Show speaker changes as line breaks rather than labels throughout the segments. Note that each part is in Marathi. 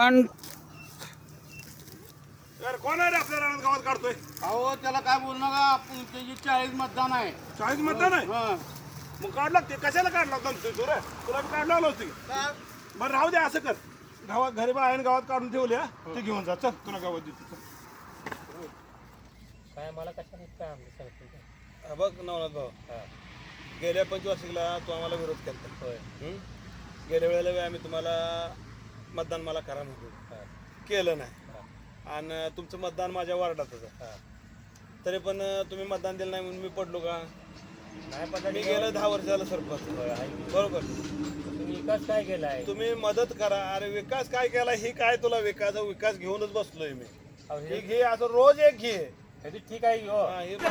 वन
यार कोण आहे रे आपल्या रानात गावात काढतोय?
अहो त्याला काय बोलू नका, आपण त्याची 40 मतदान आहे.
40 मतदान आहे.
हा.
मग काढला ते कशाला काढला होता तुला तुला बी काढला आलो होती. बरं राहू दे, असं कर गावात घरी बाहेर गावात काढून ठेवले ते घेऊन जा. चल तुला गावात देतो.
काय मला कशाने काय आमचं सरपंच
बघ नवनाथ भाऊ, गेल्या 25 वर्षाला तू आम्हाला विरोध केला.
होय.
गेल्या वेळेला बी आम्ही तुम्हाला मतदान मला करा म्हणतो, केलं नाही. आणि तुमचं मतदान माझ्या वार्डातच आहे. तरी पण तुम्ही मतदान दिलं नाही म्हणून मी पडलो का?
नाही पडला.
मी गेलं 10 वर्ष झालं सरपंच. बरोबर.
तुम्ही विकास काय केलाय?
तुम्ही मदत करा. अरे विकास काय केला ही काय तुला विकास घेऊनच बसलोय मी. हे घे, असं रोज एक घे.
ठीक आहे हो.
हा, हे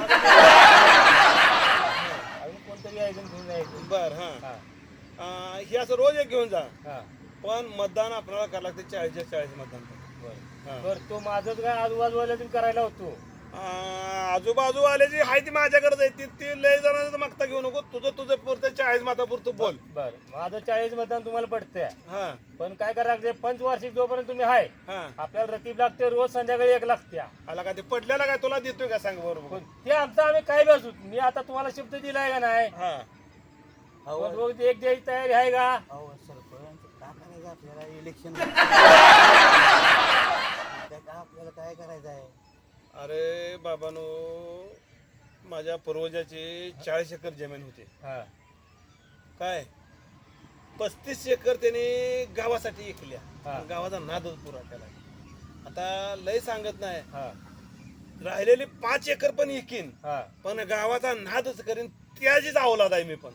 अजून कोणतरी ऐकून घेऊन जायचं.
बर हा, हे असं रोज एक घेऊन जा. पण मतदान आपल्याला करावं लागते 40 मतदान.
बरं तो माझंच काय आजूबाजूला तुम्ही करायला होतो.
आजूबाजू आल्याची हाय ती माझ्याकडे आहे. ती लय जणांचं मागता घेऊ नको. तुझं पुरतं 40 मतापुरतं बोल.
बर माझं 40 मतदान तुम्हाला पडतंय.
हा
पण काय करायला लागते, पंचवार्षिक जोपर्यंत तुम्ही आहे
हा,
आपल्याला रतीब लागते. रोज संध्याकाळी 1 लागते.
आला का ते पडल्याला काय तुला देतोय का सांग बरोबर.
ते आमचं आम्ही काय बसू. मी आता तुम्हाला शब्द दिलाय का नाही?
हा
रोज 1 द्यायची तयारी आहे का?
अहो सरपंच काय करायचं आपल्याला इलेक्शन आपल्याला काय करायचं आहे?
अरे बाबानो, माझ्या पूर्वजाची 40 एकर जमीन होती. काय 35 एकर त्याने गावासाठी विकल्या. गावाचा नादच पुरा केला. आता लय सांगत नाही, राहिलेली 5 एकर पण विकीन, पण गावाचा नादच करीन. त्याचीच अवलाद आहे मी. पण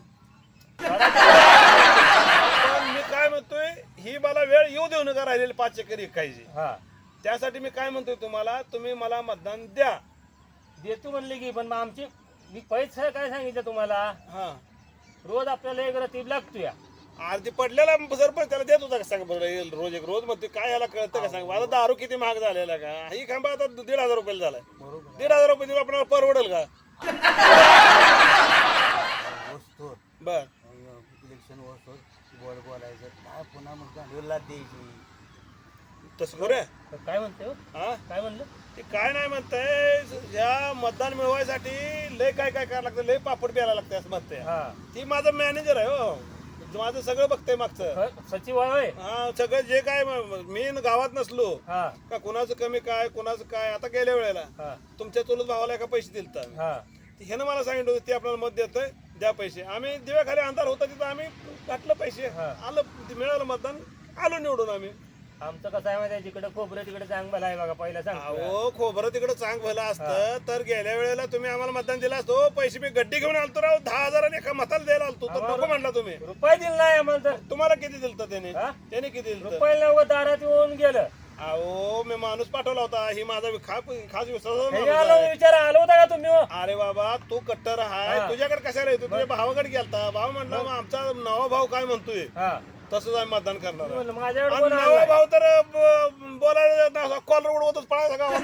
मी काय म्हणतोय, ही मला वेळ येऊ देऊ नका राहिलेली 5 एकर विकायची. त्यासाठी मी काय म्हणतोय तुम्हाला, तुम्ही मला मतदान द्या.
देतो म्हणले की, पण आमची मी पैसे काय सांगितलं तुम्हाला?
हा,
रोज आपल्याला 1 रतीब लागतोय.
आरती पडलेला सरपंच त्याला देत होता का सांग बरं? रोज एक रोज म्हणते काय याला कळतं का सांग? आता दारू किती महाग झालेला का? ही खांबा आता 1,500 रुपयाला झालाय. 1,500 रुपये देऊन आपल्याला परवडेल का? बर
इलेक्शन वस्तू बोल बोलायचं काय, पुन्हा मग गांडूला द्यायची.
तसं करूया.
काय म्हणते?
हा,
काय म्हणलं
ते काय नाही म्हणताय, या मतदान मिळवायसाठी लय काय काय करायला लागतं, लय पापड प्यायला लागतं असं म्हणते. ती माझं मॅनेजर आहे हो, माझं सगळं बघतंय मागचं.
सचिव आहे.
हा, सगळं जे काय मी गावात नसलो का कुणाचं कमी काय कुणाचं काय. आता गेल्या वेळेला तुमच्या चुलत भावाला एका पैसे दिलत आम्ही. ह्यानं मला सांगितलं होतं ते आपल्याला मत देतोय, द्या पैसे. आम्ही दिव्याखाली अंधार होता तिथं आम्ही घातलं पैसे. आलं, मिळालं मतदान, आलो निवडून आम्ही.
आमचं कसं आहे माहिती, जिकडे खोबरं तिकडे चांग भला आहे बघा. पहिला सांग.
हो, खोबरं तिकडे चांग भलं असतं तर गेल्या वेळेला तुम्ही आम्हाला मतदान दिलं असतो. पैसे मी गड्डी घेऊन आलतो राव, 10,000 एका मताला द्यायला आलतो, तर नको म्हणला तुम्ही.
रुपये दिला नाही आम्हाला. तर
तुम्हाला किती दिलं त्याने किती दिलं?
रुपये दारात येऊन गेलं.
अहो, मी माणूस पाठवला होता. ही माझा खास विश्वास.
विचार आलो होता का तुम्ही?
अरे बाबा, तू कट्टर आहे, तुझ्याकडे कशाला येतो? तुझ्या भावाकडे गेलता. भाव म्हणला मग आमचा नवा भाऊ काय म्हणतोय तसंच आम्ही मतदान करणार.
माझ्याकडे
नवा भाऊ तर बोलायला कॉलर उडवतच पळायचा गावात.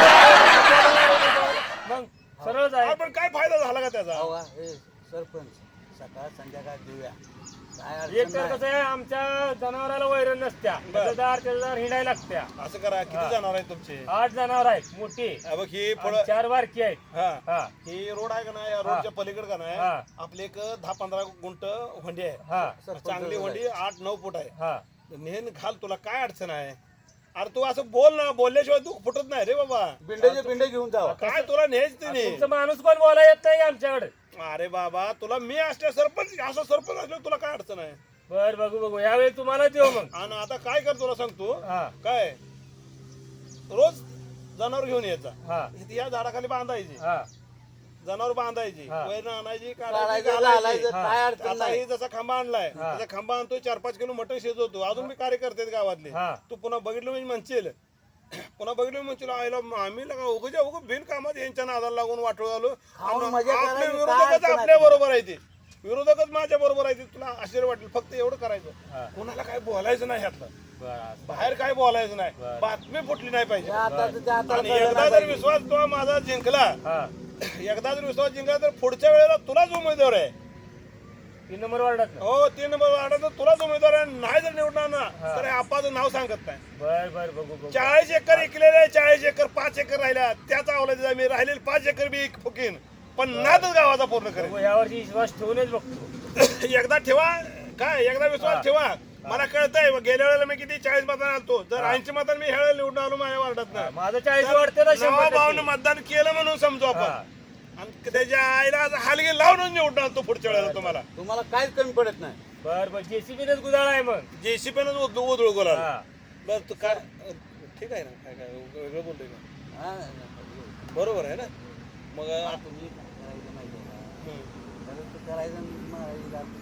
मग सरळच आहे.
पण काय फायदा झाला का त्याचा?
सरपंच सकाळ संध्याकाळ देऊया.
एक तर कसं आहे, आमच्या जनावराला वैरण नसत्या, त्याच्यादार हिंडायला लागत्या.
असं करा, किती जनावर आहेत तुमचे?
8 जनावर आहेत मोठी.
बघ ही
4 बारकी आहेत.
ही रोड आहे का नाही, या रोडच्या पलीकडे का नाही आपले एक 10-15 गुंट होंडी आहे. चांगली होंडी 8-9 फूट आहे. नेहमी घाल, तुला काय अडचण आहे? अरे तू असं बोल ना, बोलल्याशिवाय तू फुटत नाही रे बाबा.
बिंडे घेऊन जावा.
काय तुला नेच ते
माणूस कोण बोलायला येत नाही आमच्याकडे.
अरे बाबा, तुला मी असल्या सरपंच असं सरपंच असलं तुला काय अडचण आहे?
बर बघू यावेळी तुम्हाला देऊ मग.
आणि आता काय कर तुला सांगतो काय, रोज जनावर घेऊन यायचा, या झाडाखाली बांधायची, जनावर बांधायची, वैरण आणायची, आता ही जसा खांबा आणलाय त्याचा खांबा आणतोय, 4-5 किलो मटण शिजवतो. अजून मी कार्यकर्ते गावातले. तू पुन्हा बघितलं म्हणजे म्हणशील, पुन्हा बघितलं म्हणशील आईला आम्ही उग बिनकामात यांच्या नादाला लागून वाटू आलो. आपले विरोधकच आपल्या बरोबर आहे, ते विरोधकच माझ्या बरोबर आहे. तुला आश्चर्य वाटेल. फक्त एवढं करायचं, कोणाला काय बोलायचं नाही, ह्यातलं बाहेर काय बोलायचं नाही, बातमी फुटली नाही पाहिजे. आणि एकदा जर विश्वास तो माझा जिंकला, एकदा जर विश्वास जिंकला तर पुढच्या वेळेला तुलाच उमेदवार आहे.
3 नंबर वार्डात
हो 3 नंबर वार्डात तुलाच उमेदवार नाही जर निवडणार ना तर आपाचं नाव सांगत नाही.
बर बघू
40 एकर इकलेले 40 एकर 5 एकर राहिल्या त्याचा अवलंबित मी राहिलेले 5 एकर बी फुकीन पण नादच गावाचा पूर्ण करेन.
यावरची विश्वास ठेवूनच बघतो.
एकदा ठेवा काय एकदा विश्वास ठेवा. मला कळतंय गेल्या वेळेला मी किती 40 मतांना आलतो जर 80 मतांनी मी ह्या निवडून आलो माझ्या वार्डात
माझं 40 वाढते ना
100 मतदान केलं म्हणून समजू आपण आणि त्याच्या आईला हलगी लावूनच निवडून आणतो पुढच्या वेळेला
तुम्हाला काहीच कमी पडत नाही.
बर जेसीबीनेच गुदाळ आहे मग
जेसीपीनं उधळू गोला बर तू काय ठीक आहे ना काय काय वेगळं बोलतोय का
हा,
बरोबर आहे ना मग
तुम्ही करायचं माहिती आहे का? करायचं मारायचं आपलं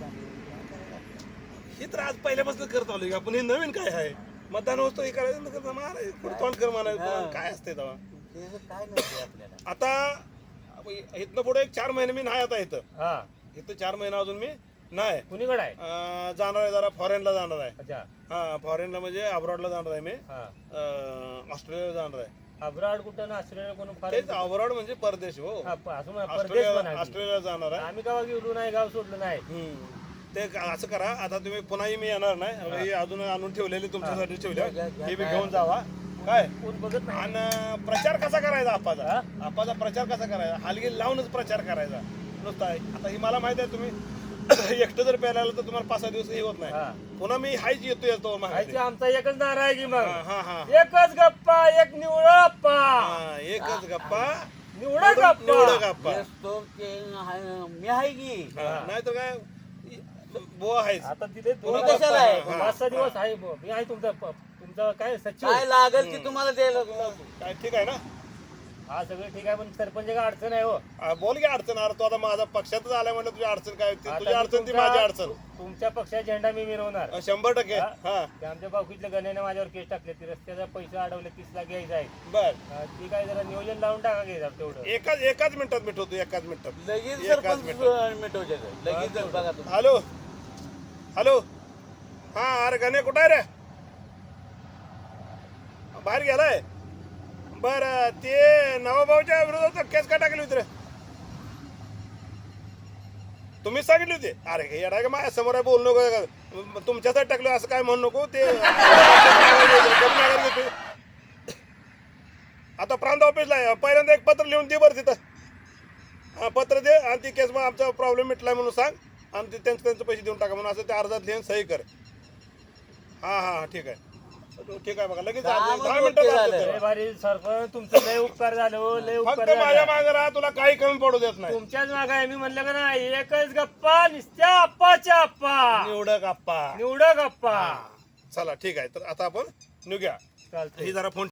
चांगलं.
हे तर आज पहिल्यापासून करत आलोय का आपण हे नवीन काय आहे मतदान वस्तू हे करायचं करता मारायचं तोंड कर मारायचं काय असते तेव्हा
त्याचं काय नसते आपल्याला.
आता इथनं पुढे 4 महिने मी नाही आता इथं 4 महिना अजून मी नाही
कुणीकडे आहे
जाणार आहे जरा फॉरेनला जाणार आहे.
अच्छा
हा फॉरेनला म्हणजे अब्रॉडला जाणार आहे मी ऑस्ट्रेलियाला जाणार आहे.
अब्रॉड कुठं ना ऑस्ट्रेलिया कोण
तेच अब्रॉड म्हणजे परदेश हो
परदेश
ऑस्ट्रेलियाला जाणार आहे.
आम्ही गावा गेलो नाही गाव सोडलं नाही.
ते असं करा आता तुम्ही पुन्हाही मी येणार नाही हे अजून आणून ठेवलेले तुमच्यासाठी ठेवले हे बी घेऊन जावा काय
कोण बघत नाही.
आणि प्रचार कसा करायचा आपाचा प्रचार कसा करायचा हलगी लावूनच प्रचार करायचा नुसता आता ही मला माहित आहे तुम्ही एकटं जर प्यायला आलं तर तुम्हाला 5-6 दिवस हे होत नाही पुन्हा मी हायच येतो
आमचा एकच नारा आहे की मग
हा
एकच गप्पा एक निवडा गप्पा
एकच गप्पा
निवडा गप्पा
तेच तो ते मी आहे की
नाही तर काय बुवा आहेच.
आता तिथे
तुम्ही कशाला आहे?
5-6 दिवस आहे मी आहे तुमचा काय सचिव
काय लागेल की तुम्हाला द्यायला
काय ठीक आहे ना
हा सगळं ठीक आहे पण सरपंच काय अडचण आहे हो.
बोल की अडचण अरे तू आता माझा पक्षातच आलाय म्हणलं तुझी अडचण काय तुझी अडचण ती माझी अडचण
तुमच्या पक्षाचा झेंडा मी मिरवणार
100% हा
ते आमच्या बाकीतल्या गण्याने माझ्यावर केस टाकले ती रस्त्याचा पैसा अडवले 30 लाख घ्यायचा आहे.
बर
ती काय जरा नियोजन लावून टाका घ्यायचा तेवढं
एकाच मिनिटात मिटवतो एकाच मिनिटात
लगेच सरपंच मिटवते लगेच बघा तुम्ही.
हॅलो हा अरे गणे कुठं आहे रे बाहेर गेलाय बर ते नवाभाऊच्या विरोधात केस का टाकली होती रे तुम्हीच सांगितली होती अरे येडा का माझ्या समोर आहे बोलू नको तुमच्यासाठी टाकलं असं काय म्हणू नको ते आता प्रांत ऑफिसला आहे पहिल्यांदा एक पत्र लिहून दे बरं तिथं पत्र दे आणि ती केस मग आमचा प्रॉब्लेम मिटलाय म्हणून सांग आणि त्यांचे पैसे देऊन टाका म्हणून असं ते अर्जात लिहून सही कर हा ठीक आहे ठीक आहे बघा लगेच 10 मिनिटं
भारी सरपंच तुमचं लय उपकार झालं लय
फक्त
उपकार
माझ्या मागे राहा तुला काही कमी पडू देत नाही
तुमच्याच मागे आहे मी म्हणलं का नाही एकच गप्पा निस्त्या आप्पाच्या आप्पा
निवडक आप्पा
निवडा गप्पा
चला ठीक आहे तर आता आपण निघूया
चालतंय
ही जरा फोन